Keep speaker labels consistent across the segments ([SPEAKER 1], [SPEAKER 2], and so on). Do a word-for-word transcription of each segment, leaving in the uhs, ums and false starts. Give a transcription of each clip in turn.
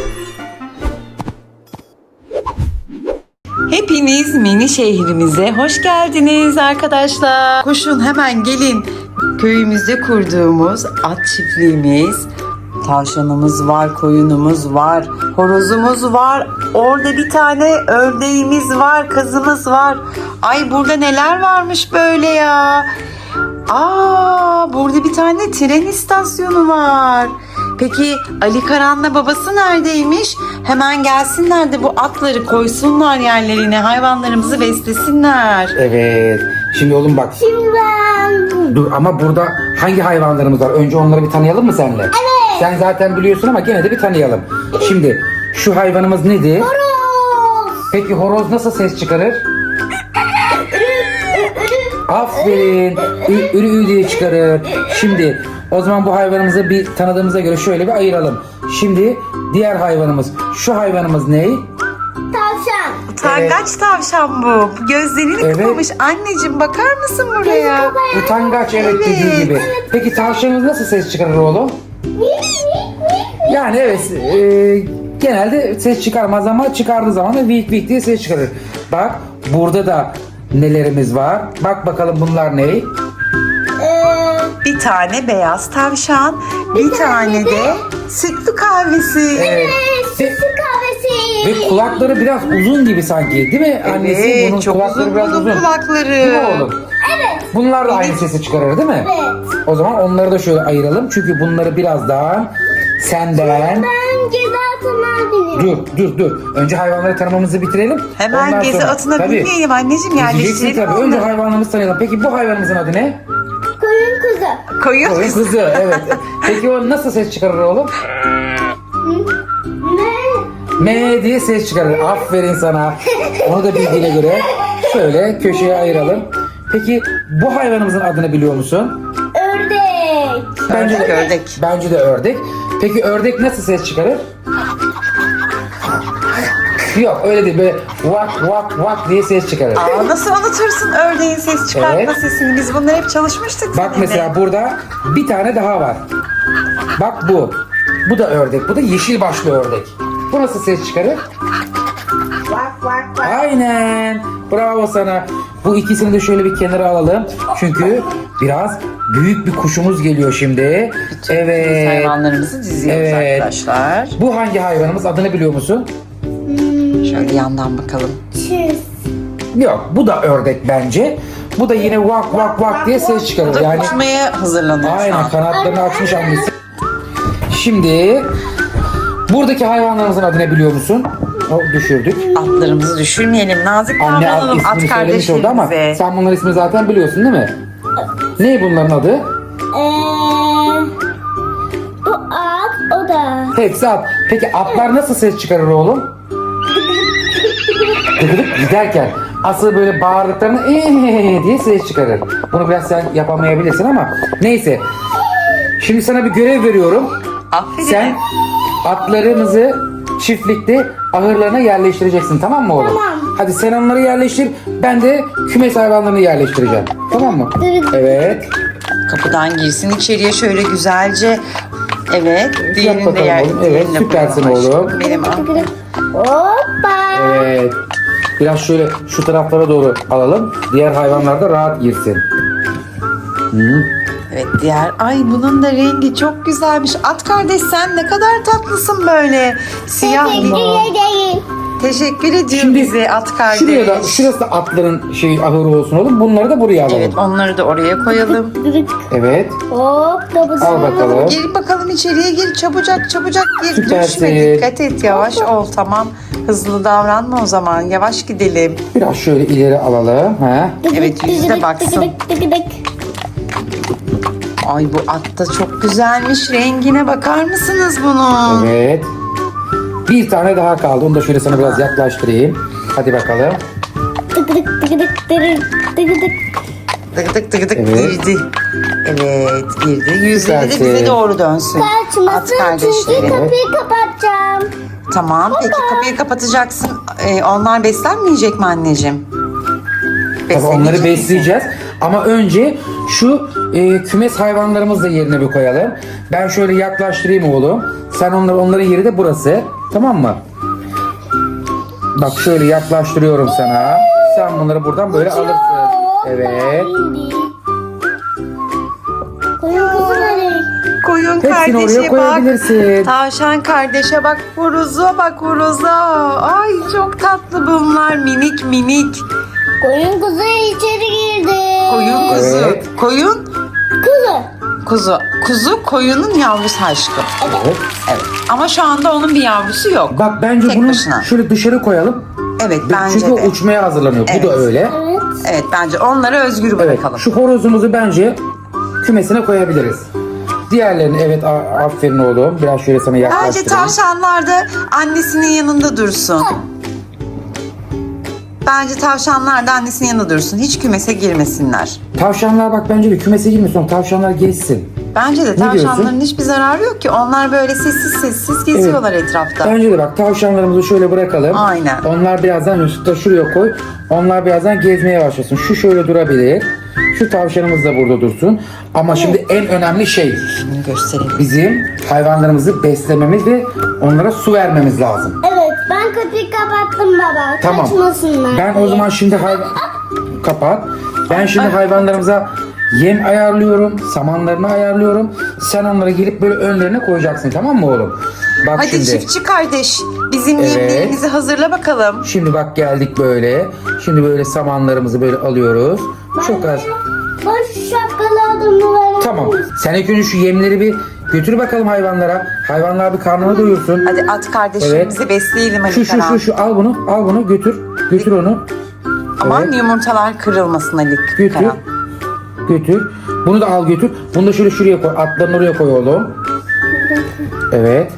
[SPEAKER 1] Hepiniz mini şehrimize hoş geldiniz arkadaşlar. Koşun hemen gelin. Köyümüzde kurduğumuz at çiftliğimiz. Tavşanımız var, koyunumuz var, horozumuz var. Orada bir tane ördeğimiz var, kazımız var. Ay burada neler varmış böyle ya. Aa, burada bir tane tren istasyonu var. Peki Ali Karan'la babası neredeymiş? Hemen gelsinler de bu atları koysunlar yerlerine. Hayvanlarımızı beslesinler.
[SPEAKER 2] Evet. Şimdi oğlum bak.
[SPEAKER 3] Şimdi ben...
[SPEAKER 2] Dur ama burada hangi hayvanlarımız var? Önce onları bir tanıyalım mı seninle?
[SPEAKER 3] Evet.
[SPEAKER 2] Sen zaten biliyorsun ama gene de bir tanıyalım. Şimdi şu hayvanımız nedir?
[SPEAKER 3] Horoz.
[SPEAKER 2] Peki horoz nasıl ses çıkarır? Aferin. Ü, ürü ü diye çıkarır. Şimdi o zaman bu hayvanımızı bir tanıdığımıza göre şöyle bir ayıralım. Şimdi diğer hayvanımız. Şu hayvanımız ne?
[SPEAKER 3] Tavşan.
[SPEAKER 1] Utangaç tavşan bu. Bu gözlerini
[SPEAKER 2] Evet.
[SPEAKER 1] kıpamış. Anneciğim bakar mısın buraya?
[SPEAKER 2] Utangaç, evet,
[SPEAKER 1] Evet.
[SPEAKER 2] dediği gibi. Peki tavşanımız nasıl ses çıkarır oğlum? Yani evet, e, genelde ses çıkarmaz ama çıkardığı zaman da vik vik diye ses çıkarır. Bak burada da nelerimiz var. Bak bakalım bunlar ne?
[SPEAKER 3] Ee,
[SPEAKER 1] Bir tane beyaz tavşan, bir, tane de sütlü kahvesi.
[SPEAKER 2] Evet. Ve,
[SPEAKER 3] sütlü kahvesi.
[SPEAKER 2] ve kulakları biraz uzun gibi sanki, değil mi annesi?
[SPEAKER 1] Evet,
[SPEAKER 2] Bunun
[SPEAKER 1] çok
[SPEAKER 2] kulakları
[SPEAKER 1] uzun
[SPEAKER 2] biraz
[SPEAKER 1] bunun
[SPEAKER 2] uzun.
[SPEAKER 1] kulakları.
[SPEAKER 2] Değil mi oğlum?
[SPEAKER 3] Evet.
[SPEAKER 2] Bunlar da aynı sesi çıkarır değil mi?
[SPEAKER 3] Evet.
[SPEAKER 2] O zaman onları da şöyle ayıralım. Çünkü bunları birazdan senden...
[SPEAKER 3] Ben ceza atına biniyorum.
[SPEAKER 2] Dur dur dur. Önce hayvanları tanımamızı bitirelim.
[SPEAKER 1] Hemen
[SPEAKER 2] Ondan
[SPEAKER 1] gezi
[SPEAKER 2] sonra-
[SPEAKER 1] atına
[SPEAKER 2] Tabii.
[SPEAKER 1] binmeyelim anneciğim,
[SPEAKER 2] Diyeceksin
[SPEAKER 1] yerleştirelim
[SPEAKER 2] tabii. Önce
[SPEAKER 1] onları.
[SPEAKER 2] hayvanlarımızı tanıyalım. Peki bu hayvanımızın adı ne?
[SPEAKER 3] Koyun kuzu.
[SPEAKER 1] Koyun.
[SPEAKER 2] Koyun kuzu. Evet. Peki o nasıl ses çıkarır oğlum?
[SPEAKER 3] Ne?
[SPEAKER 2] Me diye ses çıkarır. Aferin sana. Onu da bildiğine göre şöyle köşeye ayıralım. Peki bu hayvanımızın adını biliyor musun?
[SPEAKER 3] Ördek.
[SPEAKER 2] Bence
[SPEAKER 1] Ördek,
[SPEAKER 2] de
[SPEAKER 1] ördek.
[SPEAKER 2] Bence de ördek. Peki ördek nasıl ses çıkarır? Yok öyle değil, böyle vak vak vak diye ses çıkarır.
[SPEAKER 1] Aa, nasıl unutursun ördeğin ses çıkartma
[SPEAKER 2] Evet.
[SPEAKER 1] sesini? Biz bunları hep çalışmıştık
[SPEAKER 2] Bak
[SPEAKER 1] seninle.
[SPEAKER 2] mesela burada bir tane daha var. Bak bu. Bu da ördek. Bu da yeşil başlı ördek. Bu nasıl ses çıkarır?
[SPEAKER 3] Vak vak vak.
[SPEAKER 2] Aynen. Bravo sana. Bu ikisini de şöyle bir kenara alalım. Çünkü biraz büyük bir kuşumuz geliyor şimdi.
[SPEAKER 1] Biz
[SPEAKER 2] Evet.
[SPEAKER 1] hayvanlarımızı diziyoruz
[SPEAKER 2] Evet.
[SPEAKER 1] arkadaşlar.
[SPEAKER 2] Bu hangi hayvanımız? Adını biliyor musun?
[SPEAKER 1] Şöyle yandan bakalım.
[SPEAKER 3] Çiz.
[SPEAKER 2] Yok. Bu da ördek bence. Bu da yine vak vak vak diye ses
[SPEAKER 1] Bu
[SPEAKER 2] çıkarır.
[SPEAKER 1] da
[SPEAKER 2] Yani
[SPEAKER 1] uçmaya hazırlanıyor şu
[SPEAKER 2] aynen
[SPEAKER 1] an.
[SPEAKER 2] kanatlarını açmış annesi. Şimdi buradaki hayvanlarımızın adını biliyor musun? O düşürdük.
[SPEAKER 1] Atlarımızı düşürmeyelim. Nazik
[SPEAKER 2] Anne ad,
[SPEAKER 1] davranalım at
[SPEAKER 2] ismini söylemiş oldu ama
[SPEAKER 1] kardeşlerimize.
[SPEAKER 2] sen bunların ismini zaten biliyorsun değil mi? Ne bunların adı?
[SPEAKER 3] Ee, bu at, o da.
[SPEAKER 2] Hepsi at. Peki atlar nasıl ses çıkarır oğlum? Tıkıdık giderken. Asıl böyle bağırdıklarını eee diye ses çıkarır. Bunu biraz sen yapamayabilirsin ama neyse. Şimdi sana bir görev veriyorum.
[SPEAKER 1] Aferin.
[SPEAKER 2] Sen atlarımızı çiftlikte ahırlarına yerleştireceksin, tamam mı oğlum?
[SPEAKER 3] Tamam.
[SPEAKER 2] Hadi sen onları yerleştir. Ben de kümes hayvanlarını yerleştireceğim. Tamam mı? Evet.
[SPEAKER 1] Kapıdan girsin içeriye şöyle güzelce. Evet. Diğerini de
[SPEAKER 2] bakalım
[SPEAKER 1] yer.
[SPEAKER 2] oğlum. Evet,
[SPEAKER 1] diğerini de
[SPEAKER 2] süpersin
[SPEAKER 1] koyalım
[SPEAKER 2] oğlum.
[SPEAKER 1] aşkım. Benim aferin.
[SPEAKER 3] Hoppa.
[SPEAKER 2] Evet. Biraz şöyle şu taraflara doğru alalım. Diğer hayvanlar da rahat girsin. Hı.
[SPEAKER 1] Evet diğer. Ay bunun da rengi çok güzelmiş. At kardeş sen ne kadar tatlısın böyle. Siyah
[SPEAKER 3] Teşekkür
[SPEAKER 1] limon.
[SPEAKER 3] ederim.
[SPEAKER 1] Teşekkür ediyor
[SPEAKER 2] Şimdi
[SPEAKER 1] bize at kardeş.
[SPEAKER 2] Şuraya da, şurası da atların şey ahırı olsun oğlum. Bunları da buraya alalım.
[SPEAKER 1] Evet onları da oraya koyalım.
[SPEAKER 2] Evet.
[SPEAKER 3] Hop da bu
[SPEAKER 2] Al bakalım.
[SPEAKER 1] Gir bakalım içeriye gir çabucak çabucak gir.
[SPEAKER 2] Süpersin.
[SPEAKER 1] Düşme dikkat et yavaş ol tamam. Hızlı davranma o zaman yavaş gidelim.
[SPEAKER 2] Biraz şöyle ileri alalım. Ha.
[SPEAKER 1] Evet, yüzüne baksın. Ay bu at da çok güzelmiş. Rengine bakar mısınız bunun?
[SPEAKER 2] Evet. Bir tane daha kaldı. Onu da şöyle sana biraz yaklaştırayım. Hadi bakalım.
[SPEAKER 3] Tık tık tık tık tık tık tık.
[SPEAKER 1] Tık tık tık tık
[SPEAKER 2] Evet.
[SPEAKER 1] girdi. Evet girdi. Yüzleri de bize
[SPEAKER 2] Süpersin.
[SPEAKER 1] doğru dönsün. At
[SPEAKER 3] Kaçmasın çünkü
[SPEAKER 1] kardeşleri.
[SPEAKER 3] kapıyı kapatacağım.
[SPEAKER 1] Tamam peki kapıyı kapatacaksın. Ee, onlar beslenmeyecek mi anneciğim?
[SPEAKER 2] Tabii onları
[SPEAKER 1] Beslenecek misin?
[SPEAKER 2] besleyeceğiz. Ama önce Şu e, kümes hayvanlarımızı da yerine bir koyalım. Ben şöyle yaklaştırayım oğlum. Sen onları, onların yeri de burası. Tamam mı? Bak şöyle yaklaştırıyorum sana. Sen bunları buradan böyle alırsın. Evet.
[SPEAKER 3] Koyun kuzuları.
[SPEAKER 1] Koyun
[SPEAKER 2] Hepsini
[SPEAKER 1] kardeşe
[SPEAKER 2] oraya
[SPEAKER 1] bak.
[SPEAKER 2] koyabilirsin.
[SPEAKER 1] Tavşan kardeşe bak. Horoza bak horoza. Ay çok tatlı bunlar. Minik minik.
[SPEAKER 3] Koyun kuzu içeri girdi.
[SPEAKER 1] Koyun kuzu.
[SPEAKER 2] Evet.
[SPEAKER 1] Koyun
[SPEAKER 3] Kuzu.
[SPEAKER 1] kuzu. Kuzu koyunun yavrusu aşkım.
[SPEAKER 2] Evet.
[SPEAKER 1] Evet. Ama şu anda onun bir yavrusu yok.
[SPEAKER 2] Bak bence
[SPEAKER 1] Tek
[SPEAKER 2] bunu
[SPEAKER 1] başına.
[SPEAKER 2] şöyle dışarı koyalım.
[SPEAKER 1] Evet bence
[SPEAKER 2] Çünkü o
[SPEAKER 1] de.
[SPEAKER 2] uçmaya hazırlanıyor.
[SPEAKER 1] Evet.
[SPEAKER 2] Bu da öyle.
[SPEAKER 3] Evet.
[SPEAKER 1] Evet bence onları özgür
[SPEAKER 2] Evet.
[SPEAKER 1] bırakalım.
[SPEAKER 2] Şu horozumuzu bence kümesine koyabiliriz. Diğerlerini evet a- aferin oğlum. Biraz şöyle sana
[SPEAKER 1] Bence
[SPEAKER 2] yaklaştırayım.
[SPEAKER 1] tavşanlar da annesinin yanında dursun. Bence tavşanlar da annesinin yanında dursun. Hiç kümese girmesinler.
[SPEAKER 2] Tavşanlar bak bence bir kümese girmesin. Tavşanlar gezsin.
[SPEAKER 1] Bence de
[SPEAKER 2] diyorsun?
[SPEAKER 1] tavşanların hiçbir zararı yok ki. Onlar böyle sessiz sessiz geziyorlar etrafta.
[SPEAKER 2] Bence de bak tavşanlarımızı şöyle bırakalım.
[SPEAKER 1] Aynen.
[SPEAKER 2] Onlar birazdan Yusuf da şuraya koy. Onlar birazdan gezmeye başlasın. Şu şöyle durabilir. Şu tavşanımız da burada dursun. Ama şimdi en önemli şey
[SPEAKER 1] Bunu gösterelim.
[SPEAKER 2] bizim hayvanlarımızı beslememiz ve onlara su vermemiz lazım.
[SPEAKER 3] Evet, ben kapıyı kapattım baba.
[SPEAKER 2] Tamam.
[SPEAKER 3] Kaçmasınlar.
[SPEAKER 2] Ben o zaman şimdi hayvan... Kapat. Ben şimdi hayvanlarımıza yem ayarlıyorum. Samanlarını ayarlıyorum. Sen onları gelip böyle önlerine koyacaksın, tamam mı oğlum? Bak
[SPEAKER 1] Hadi
[SPEAKER 2] şimdi.
[SPEAKER 1] çiftçi kardeş. Bizim
[SPEAKER 2] Evet.
[SPEAKER 1] yemlerimizi hazırla bakalım.
[SPEAKER 2] Şimdi bak geldik böyle. Şimdi böyle samanlarımızı böyle alıyoruz. Çok az.
[SPEAKER 3] Ben şu şapkalı adamı verelim.
[SPEAKER 2] Tamam. Sen ilk önce şu yemleri bir götür bakalım hayvanlara. Hayvanlar bir karnını doyursun.
[SPEAKER 1] Hadi at kardeşimizi besleyelim hadi
[SPEAKER 2] Şu şu
[SPEAKER 1] Karan.
[SPEAKER 2] şu şu al bunu. Al bunu götür. Götür onu.
[SPEAKER 1] Aman
[SPEAKER 2] Evet.
[SPEAKER 1] yumurtalar kırılmasın Ali
[SPEAKER 2] Götür.
[SPEAKER 1] Karan.
[SPEAKER 2] Götür. Bunu da al götür. Bunu da şöyle şuraya koy. Atlarını oraya koy oğlum. Evet.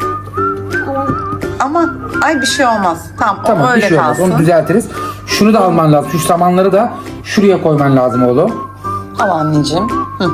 [SPEAKER 1] Aman ay bir şey olmaz. Tamam,
[SPEAKER 2] Tamam
[SPEAKER 1] o
[SPEAKER 2] bir
[SPEAKER 1] öyle
[SPEAKER 2] şey olmaz.
[SPEAKER 1] kalsın.
[SPEAKER 2] Onu düzeltiriz. Şunu da alman lazım. Şu samanları da şuraya koyman lazım oğlum.
[SPEAKER 1] Al anneciğim. Hı.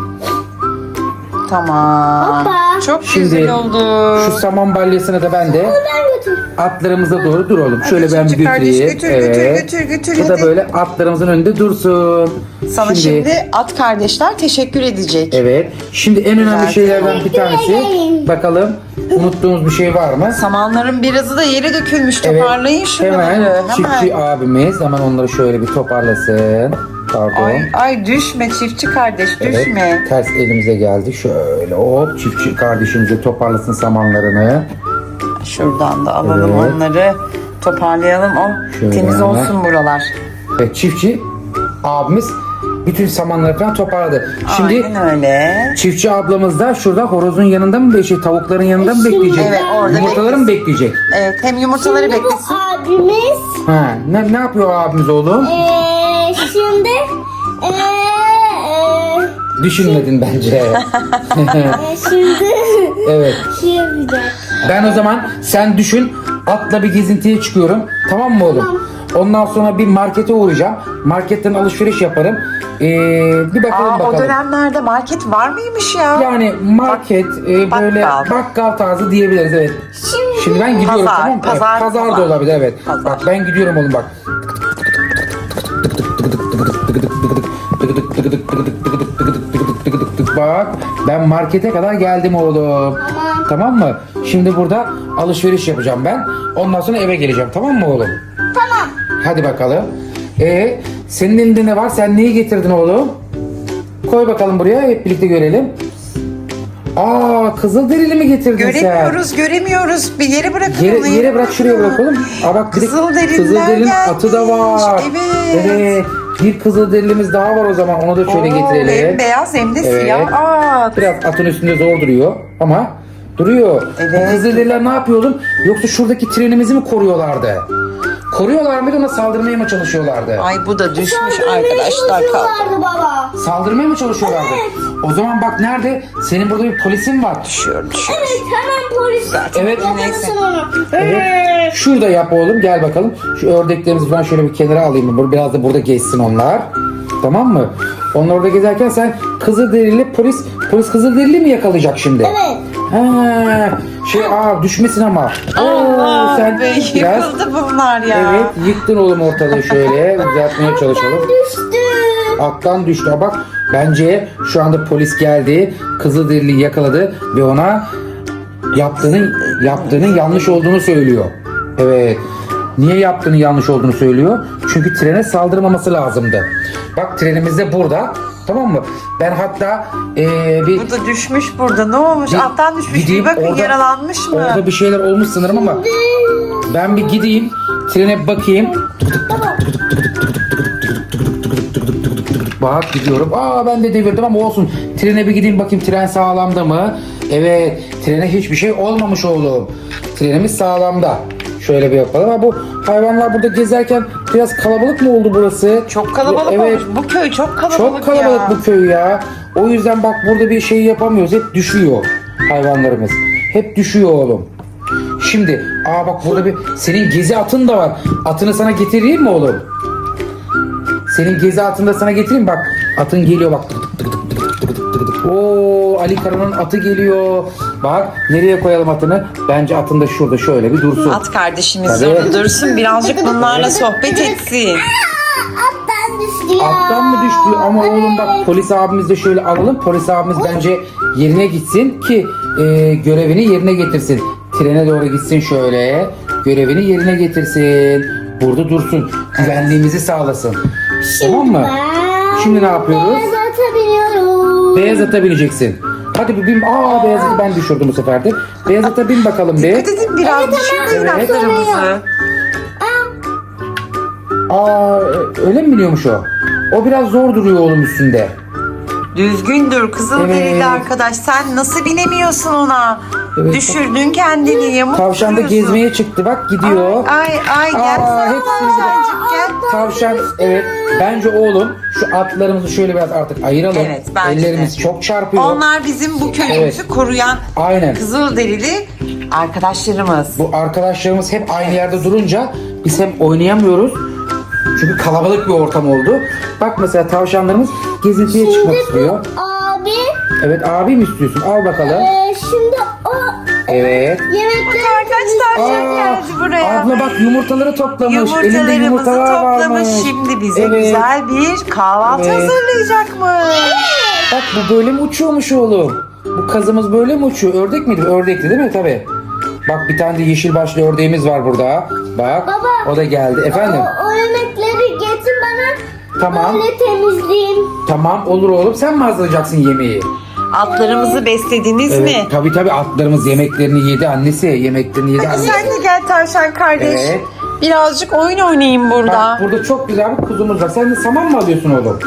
[SPEAKER 1] Tamam.
[SPEAKER 3] Hoppa.
[SPEAKER 1] Çok
[SPEAKER 2] Şimdi
[SPEAKER 1] güzel oldu.
[SPEAKER 2] şu saman balyasını da ben de
[SPEAKER 3] Ben götür.
[SPEAKER 2] atlarımıza doğru dur oğlum. Şöyle ben bir
[SPEAKER 1] çocuk kardeş,
[SPEAKER 2] götüreyim.
[SPEAKER 1] götür, götür, götür, götür,
[SPEAKER 2] Bu da
[SPEAKER 1] hadi.
[SPEAKER 2] böyle atlarımızın önünde dursun.
[SPEAKER 1] Sana şimdi... at kardeşler teşekkür edecek.
[SPEAKER 2] Evet. Şimdi en önemli
[SPEAKER 1] Güzel.
[SPEAKER 2] şeylerden bir tanesi. Bakalım unuttuğumuz bir şey var mı?
[SPEAKER 1] Samanların birazı da yere dökülmüş.
[SPEAKER 2] Evet.
[SPEAKER 1] Toparlayın şunları.
[SPEAKER 2] Hemen
[SPEAKER 1] Hemen.
[SPEAKER 2] çiftçi abimiz hemen onları şöyle bir toparlasın. Pardon.
[SPEAKER 1] Ay, ay düşme çiftçi kardeş
[SPEAKER 2] Evet,
[SPEAKER 1] düşme.
[SPEAKER 2] ters elimize geldi. Şöyle hop çiftçi kardeşimize toparlasın samanlarını.
[SPEAKER 1] Şuradan da alalım
[SPEAKER 2] Evet.
[SPEAKER 1] onları. Toparlayalım. O
[SPEAKER 2] Şöyle
[SPEAKER 1] temiz
[SPEAKER 2] hemen.
[SPEAKER 1] olsun buralar.
[SPEAKER 2] Ve çiftçi abimiz bütün samanları falan toparladı. Şimdi
[SPEAKER 1] Aynen öyle.
[SPEAKER 2] çiftçi ablamız da şurada horozun yanında mı bekleyecek, tavukların yanında mı bekleyecek?
[SPEAKER 1] Evet, orada
[SPEAKER 2] Yumurtaları mı bekleyecek?
[SPEAKER 1] Evet hem yumurtaları
[SPEAKER 3] Şimdi bu
[SPEAKER 1] beklesin.
[SPEAKER 3] abimiz
[SPEAKER 2] Ha, ne, ne yapıyor abimiz oğlum?
[SPEAKER 3] eee şimdi eee eee
[SPEAKER 2] Düşünmedin bence.
[SPEAKER 3] eee, şimdi
[SPEAKER 2] Evet.
[SPEAKER 3] şey yapacak.
[SPEAKER 2] Ben o zaman sen düşün, atla bir gezintiye çıkıyorum. Tamam mı oğlum? Ondan sonra bir markete uğrayacağım. Marketten alışveriş yaparım. Ee, bir bakalım
[SPEAKER 1] Aa,
[SPEAKER 2] bakalım.
[SPEAKER 1] o dönemlerde market var mıymış ya?
[SPEAKER 2] Yani market e, böyle
[SPEAKER 1] bakkal.
[SPEAKER 2] bakkal tarzı diyebiliriz, evet.
[SPEAKER 3] Şimdi,
[SPEAKER 2] Şimdi ben gidiyorum,
[SPEAKER 1] Pazar,
[SPEAKER 2] tamam mı? Evet,
[SPEAKER 1] pazar,
[SPEAKER 2] pazar da
[SPEAKER 1] pazar.
[SPEAKER 2] olabilir, evet.
[SPEAKER 1] Pazar.
[SPEAKER 2] Bak ben gidiyorum oğlum bak. Bak ben markete kadar geldim oğlum.
[SPEAKER 3] Tamam.
[SPEAKER 2] Tamam mı? Şimdi burada alışveriş yapacağım ben. Ondan sonra eve geleceğim, tamam mı oğlum?
[SPEAKER 3] Tamam.
[SPEAKER 2] Hadi bakalım. Ee, senin elinde ne var? Sen neyi getirdin oğlum? Koy bakalım buraya, hep birlikte görelim. Aa, kızılderili mi getirdin sen?
[SPEAKER 1] Göremiyoruz, göremiyoruz. Bir yere bırakın
[SPEAKER 2] Yere,
[SPEAKER 1] onu.
[SPEAKER 2] yere bırak, şuraya bırakalım. Aa bak bir de
[SPEAKER 1] Kızılderililer
[SPEAKER 2] Kızılderili'nin
[SPEAKER 1] gelmiş.
[SPEAKER 2] atı da var.
[SPEAKER 1] Evet.
[SPEAKER 2] Evet. Bir Kızılderilimiz daha var o zaman. Onu da şöyle
[SPEAKER 1] Oo,
[SPEAKER 2] getirelim.
[SPEAKER 1] Hem beyaz hem de
[SPEAKER 2] Evet.
[SPEAKER 1] siyah. Aa,
[SPEAKER 2] Biraz atın üstünde zor duruyor ama duruyor.
[SPEAKER 1] Evet.
[SPEAKER 2] Bu Kızılderililer ne yapıyor oğlum? Yoksa şuradaki trenimizi mi koruyorlardı? Koruyorlar mıydı, ona saldırmaya mı çalışıyorlardı?
[SPEAKER 1] ay bu da düşmüş arkadaşlar. Kalk.
[SPEAKER 3] Çalışıyorlardı baba.
[SPEAKER 2] Saldırmaya mı çalışıyorlardı? O zaman bak nerede? Senin burada bir polisin var.
[SPEAKER 1] Düşüyor, düşüyor.
[SPEAKER 3] Evet, hemen polis.
[SPEAKER 2] Evet.
[SPEAKER 1] Neyse.
[SPEAKER 3] Yakalasın onu.
[SPEAKER 2] Evet. Şurada yap oğlum, gel bakalım. Şu ördeklerimizi falan şöyle bir kenara alayım. Böyle biraz da burada gezsin onlar. Tamam mı? Onlar orada gezerken sen Kızılderili polis, polis Kızılderili mi yakalayacak şimdi?
[SPEAKER 3] Evet.
[SPEAKER 2] Ha, şey aa düşmesin ama. Oo,
[SPEAKER 1] Allah
[SPEAKER 2] sen
[SPEAKER 1] be,
[SPEAKER 2] biraz
[SPEAKER 1] yıkıldı bunlar ya.
[SPEAKER 2] evet yıktın oğlum ortalığı, şöyle düzeltmeye çalışalım.
[SPEAKER 3] Düştü.
[SPEAKER 2] Attan düştü. Aa, bak Bence şu anda polis geldi, Kızılderili'yi yakaladı ve ona yaptığının yaptığının yanlış olduğunu söylüyor. Evet. Niye yaptığının yanlış olduğunu söylüyor? Çünkü trene saldırmaması lazımdı. Bak trenimiz de burada. Tamam mı? Ben hatta ee, bir
[SPEAKER 1] Bu da düşmüş burada. Ne olmuş?
[SPEAKER 2] Bir
[SPEAKER 1] Alttan düşmüş.
[SPEAKER 2] gideyim,
[SPEAKER 1] Bir bakın
[SPEAKER 2] orada-
[SPEAKER 1] yaralanmış mı?
[SPEAKER 2] orada bir şeyler olmuş sanırım ama ben bir gideyim trene bir bakayım. Bak gidiyorum. Aa ben de devirdim ama olsun. Trene bir gideyim bakayım tren sağlamda mı? Evet. Trene hiçbir şey olmamış oğlum. Trenimiz sağlamda. Şöyle bir yapalım. Ama bu hayvanlar burada gezerken biraz kalabalık mı oldu burası?
[SPEAKER 1] Çok kalabalık
[SPEAKER 2] Evet.
[SPEAKER 1] olmuş. Bu köy çok kalabalık,
[SPEAKER 2] Çok kalabalık
[SPEAKER 1] ya.
[SPEAKER 2] bu köy ya. O yüzden bak burada bir şey yapamıyoruz. Hep düşüyor hayvanlarımız. Hep düşüyor oğlum. Şimdi aa bak burada bir senin gezi atın da var. Atını sana getireyim mi oğlum? Senin gezi atını da sana getireyim bak. Atın geliyor bak. Tık tık tık tık tık tık tık tık. Oo Ali Kara'nın atı geliyor. Bak nereye koyalım atını? Bence atın da şurada şöyle bir dursun.
[SPEAKER 1] At kardeşimiz
[SPEAKER 2] Tabii.
[SPEAKER 1] orada dursun. Birazcık bunlarla sohbet etsin.
[SPEAKER 3] Attan düştü ya.
[SPEAKER 2] Attan mı düştü? Ama oğlum bak polis abimiz de şöyle alalım. Polis abimiz bence yerine gitsin ki e, görevini yerine getirsin. Trene doğru gitsin şöyle. Görevini yerine getirsin. Burada dursun. Güvenliğimizi sağlasın. Tamam mı?
[SPEAKER 3] Ben
[SPEAKER 2] Şimdi ne yapıyoruz?
[SPEAKER 3] Beyaz ata biniyorum.
[SPEAKER 2] Beyaz ata bineceksin. Hadi bir bin. Aa beyaz atı ben düşürdüm bu sefer de. Beyaz ata bin bakalım bir.
[SPEAKER 1] Dikkat edin biraz düşürmeyin
[SPEAKER 2] Evet.
[SPEAKER 1] atlarımızı.
[SPEAKER 2] Aa öyle mi biniyormuş o? O biraz zor duruyor oğlum üstünde.
[SPEAKER 1] Düzgün dur Kızılderili
[SPEAKER 2] Evet.
[SPEAKER 1] arkadaş. Sen nasıl binemiyorsun ona?
[SPEAKER 2] Evet.
[SPEAKER 1] Düşürdün kendini yamuk
[SPEAKER 2] Tavşan da
[SPEAKER 1] duruyorsun.
[SPEAKER 2] gezmeye çıktı bak gidiyor.
[SPEAKER 1] Ay ay gel.
[SPEAKER 2] Aa,
[SPEAKER 1] Aa,
[SPEAKER 2] hepsini bir-
[SPEAKER 1] Tavşancık gel.
[SPEAKER 2] Tavşan evet. Bence oğlum şu atlarımızı şöyle biraz artık ayıralım.
[SPEAKER 1] Evet, bence de.
[SPEAKER 2] Ellerimiz çok çarpıyor.
[SPEAKER 1] Onlar bizim bu köyümüzü
[SPEAKER 2] Evet.
[SPEAKER 1] koruyan
[SPEAKER 2] Aynen.
[SPEAKER 1] Kızılderili arkadaşlarımız.
[SPEAKER 2] Bu arkadaşlarımız hep aynı yerde durunca biz hem oynayamıyoruz. Çünkü kalabalık bir ortam oldu. Bak mesela tavşanlarımız gezintiye çıkmak istiyor.
[SPEAKER 3] Abi
[SPEAKER 2] Evet abi mi istiyorsun? Al bakalım.
[SPEAKER 3] e, şimdi o
[SPEAKER 2] Evet.
[SPEAKER 3] yemekleri
[SPEAKER 1] Kaç tavşan
[SPEAKER 2] Aa,
[SPEAKER 1] geldi buraya.
[SPEAKER 2] abla bak yumurtaları toplamış. Elinde
[SPEAKER 1] Yumurtalarımızı
[SPEAKER 2] yumurtalar
[SPEAKER 1] toplamış.
[SPEAKER 2] varmış.
[SPEAKER 1] Şimdi bize
[SPEAKER 2] Evet.
[SPEAKER 1] güzel bir kahvaltı
[SPEAKER 2] Evet.
[SPEAKER 1] hazırlayacakmış.
[SPEAKER 2] Bak bu böyle mi uçuyormuş oğlum? Bu kazımız böyle mi uçuyor? Ördek miydi? Ördekti değil mi? Tabii. Bak bir tane de yeşil başlı ördeğimiz var burada. Bak
[SPEAKER 3] Baba.
[SPEAKER 2] o da geldi. Efendim?
[SPEAKER 3] o, o yemekleri getir bana.
[SPEAKER 2] Tamam.
[SPEAKER 3] Öyle temizleyeyim.
[SPEAKER 2] Tamam olur oğlum. Sen mi hazırlayacaksın yemeği?
[SPEAKER 1] Atlarımızı beslediniz
[SPEAKER 2] Evet.
[SPEAKER 1] mi?
[SPEAKER 2] Tabii tabii atlarımız yemeklerini yedi annesi. Yemeklerini yedi annesi.
[SPEAKER 1] Sen de gel tavşan kardeş.
[SPEAKER 2] Evet.
[SPEAKER 1] Birazcık oyun oynayayım burada.
[SPEAKER 2] Bak burada çok güzel bir kuzumuz var. Sen de saman mı alıyorsun oğlum?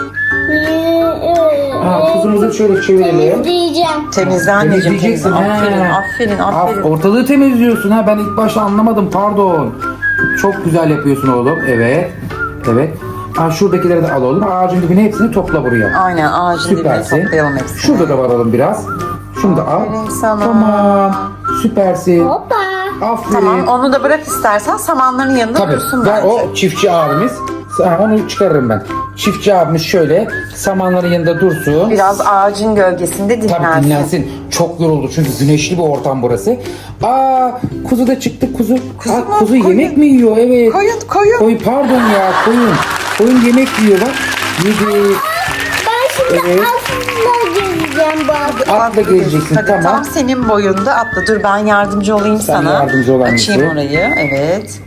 [SPEAKER 2] Ha, kuzumuzu şöyle çevirelim.
[SPEAKER 3] Temizleyeceğim.
[SPEAKER 1] Temizle anneciğim.
[SPEAKER 2] Temizleyeceksin,
[SPEAKER 1] temizle. Aferin,
[SPEAKER 2] he.
[SPEAKER 1] aferin,
[SPEAKER 2] Af-
[SPEAKER 1] aferin.
[SPEAKER 2] Ortalığı temizliyorsun ha. Ben ilk başta anlamadım. Pardon. Çok güzel yapıyorsun oğlum. Evet. Evet. Ha, şuradakileri de al oğlum. Ağacın dibine hepsini topla buraya.
[SPEAKER 1] Aynen ağacın dibine
[SPEAKER 2] Süpersin.
[SPEAKER 1] toplayalım hepsini.
[SPEAKER 2] Şurada da var oğlum biraz. Şunu da al.
[SPEAKER 1] Aferin sana.
[SPEAKER 2] Tamam. Süpersin.
[SPEAKER 3] Hoppa.
[SPEAKER 2] Aferin.
[SPEAKER 1] Tamam onu da bırak istersen samanların yanında
[SPEAKER 2] Tabii.
[SPEAKER 1] dursun
[SPEAKER 2] Ver
[SPEAKER 1] bence.
[SPEAKER 2] o çiftçi abimiz. Ha, onu çıkarırım ben. Çiftçi abimiz şöyle samanların yanında dursun.
[SPEAKER 1] Biraz ağacın gölgesinde dinlensin.
[SPEAKER 2] Tabii dinlensin. Çok yoruldu çünkü güneşli bir ortam burası. Aa kuzu da çıktı kuzu.
[SPEAKER 1] Kuzu
[SPEAKER 2] Aa,
[SPEAKER 1] mu?
[SPEAKER 2] kuzu
[SPEAKER 1] Koyun.
[SPEAKER 2] yemek mi yiyor? Evet.
[SPEAKER 1] Koyun koyun.
[SPEAKER 2] Koyun pardon ya koyun. Koyun yemek yiyor bak. Yedi.
[SPEAKER 3] Ben şimdi
[SPEAKER 2] Evet.
[SPEAKER 3] aslında gezeceğim baba.
[SPEAKER 2] Atla gezeceksin
[SPEAKER 1] Hadi
[SPEAKER 2] tamam.
[SPEAKER 1] tam senin boyunda atla. Dur ben yardımcı olayım
[SPEAKER 2] Sen
[SPEAKER 1] sana.
[SPEAKER 2] yardımcı ol annesi.
[SPEAKER 1] Açayım orayı. Evet.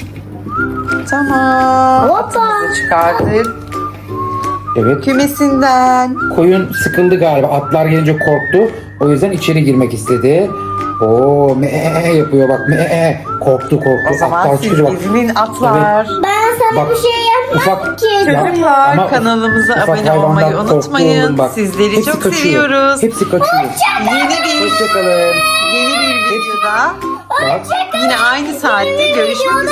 [SPEAKER 1] Tamam.
[SPEAKER 3] Hoppa.
[SPEAKER 1] Atımızı çıkardık.
[SPEAKER 2] Evet.
[SPEAKER 1] Kümesinden.
[SPEAKER 2] Koyun sıkıldı galiba. Atlar gelince korktu. O yüzden içeri girmek istedi. Oo me yapıyor bak me korktu korktu.
[SPEAKER 1] O zaman
[SPEAKER 2] Atlar
[SPEAKER 1] siz
[SPEAKER 2] çıkınca bak.
[SPEAKER 1] izinin atlar.
[SPEAKER 3] Ben sana
[SPEAKER 2] Bak,
[SPEAKER 3] bir şey yapmadım
[SPEAKER 2] ufak-
[SPEAKER 3] ki.
[SPEAKER 2] Ya,
[SPEAKER 1] Çocuklar
[SPEAKER 2] ama
[SPEAKER 1] kanalımıza
[SPEAKER 2] ufak
[SPEAKER 1] abone
[SPEAKER 2] hayvanlar
[SPEAKER 1] olmayı
[SPEAKER 2] korktu
[SPEAKER 1] unutmayın.
[SPEAKER 2] oğlum bak.
[SPEAKER 1] Sizleri
[SPEAKER 2] Hepsi
[SPEAKER 1] çok
[SPEAKER 2] kaçıyor.
[SPEAKER 1] seviyoruz.
[SPEAKER 2] Hepsi kaçıyor.
[SPEAKER 1] Yeni bir
[SPEAKER 2] Hoşçakalın.
[SPEAKER 1] yeni bir videoda
[SPEAKER 2] Bak.
[SPEAKER 1] yine aynı saatte görüşmek üzere.